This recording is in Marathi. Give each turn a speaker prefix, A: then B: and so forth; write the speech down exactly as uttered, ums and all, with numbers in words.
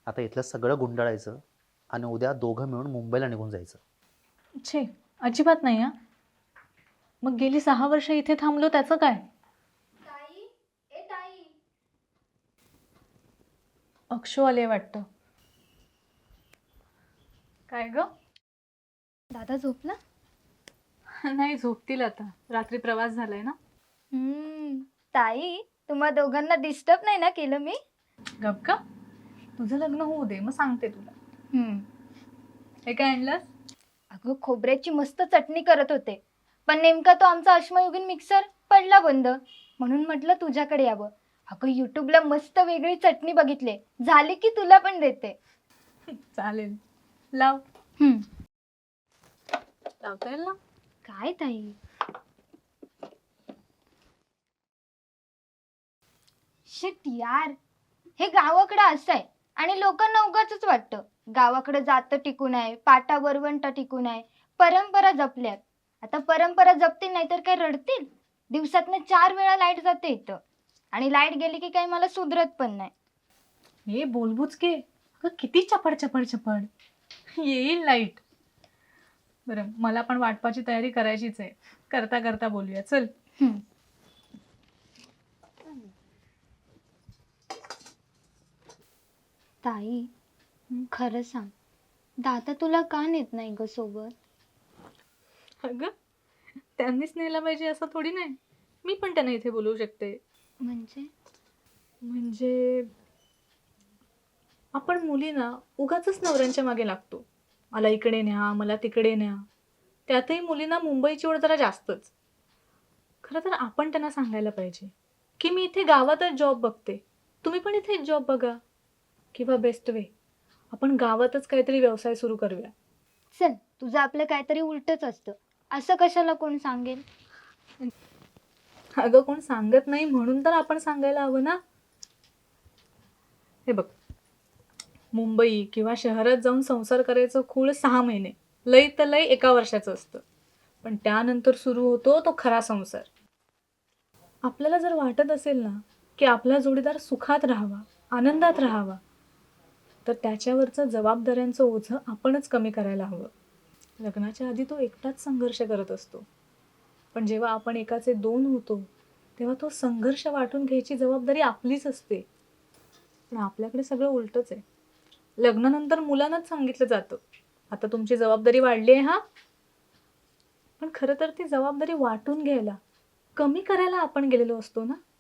A: आता इथलं सगळं गुंडाळायचं आणि उद्या दोघं मिळून मुंबईला निघून जायचं.
B: छे, अजिबात नाही हा. मग गेली सहा वर्ष इथे थांबलो त्याचं काय?
C: ताई, ए ताई.
B: अक्षू आले वाटतं. काय ग?
C: दादा झोपला?
B: नाही, झोपतील आता. रात्री प्रवास झालाय ना.
C: हम्म. ताई, तुम्हा दोघांना डिस्टर्ब नाही ना केलं मी?
B: गप का? तुझं लग्न होऊ दे, मग सांगते तुला.
C: हम्म.
B: हे काय आणलंस?
C: अगं खोबऱ्याची मस्त चटणी करत होते, पण नेमका तो आमचा अश्मयुगीन मिक्सर पडला बंद, म्हणून म्हटलं तुझ्याकडे यावं. अगं युट्यूबला मस्त वेगळी चटणी बघितले, झाली की तुला पण देते.
B: चालेल, लाव.
C: हम्म.
B: लावता येईल ना?
C: काय ताई? शिट यार, हे गावाकडं असं आहे आणि लोकांना उगाचच वाटतं गावाकडे जातं टिकून आहे, पाटा वरवंटा टिकून आहे, परंपरा जपल्यात. आता परंपरा जपतील नाही तर काय रडतील? दिवसातनं चार वेळा लाईट जाते इथं, आणि लाईट गेली की काही मला सुधरत पण नाही.
B: हे बोलबुच के. अगं किती चपड चपड चपड. येईल लाईट. बरं, मला पण वाटपाची तयारी करायचीच आहे. करता करता बोलूया, चल.
C: हम्म. ताई, खरं सांग, दादा तुला का नेत नाही ग सोबत?
B: अगं त्यांनीच नेला पाहिजे असं थोडी नाही. मी पण त्यांना इथे बोलवू शकते.
C: म्हणजे?
B: म्हणजे आपण मुलींना उगाचच नवऱ्यांच्या मागे लागतो. मला इकडे न्या, मला तिकडे न्या. त्यातही मुलींना मुंबईची ओढ जरा जास्तच. खरं तर आपण त्यांना सांगायला पाहिजे की मी इथे गावातच जॉब बघते, तुम्ही पण इथे जॉब बघा. किंवा बेस्ट वे, आपण गावातच काहीतरी व्यवसाय सुरू करूया.
C: चल, तुझं आपलं काहीतरी उलटच असतं, असं कशाला कोण सांगेल?
B: अगं कोण सांगत नाही म्हणून तर आपण सांगायला हवं ना. हे बघ, मुंबई किंवा शहरात जाऊन संसार करायचं खूळ सहा महिने, लय तर लय एका वर्षाचं असतं. पण त्यानंतर सुरू होतो तो खरा संसार. आपल्याला जर वाटत असेल ना की आपला जोडीदार सुखात राहावा, आनंदात राहावा, तर त्याच्यावरचं जबाबदाऱ्यांचं ओझं आपणच कमी करायला हवं. लग्नाच्या आधी तो एकटाच संघर्ष करत असतो, पण जेव्हा आपण एकाचे दोन होतो तेव्हा तो संघर्ष वाटून घ्यायची जबाबदारी आपलीच असते. पण आपल्याकडे सगळं उलटच आहे. लग्नानंतर मुलांनाच सांगितलं जातं, आता तुमची जबाबदारी वाढली आहे हा. पण खरं तर ती जबाबदारी वाटून घ्यायला, कमी करायला आपण गेलेलो असतो ना.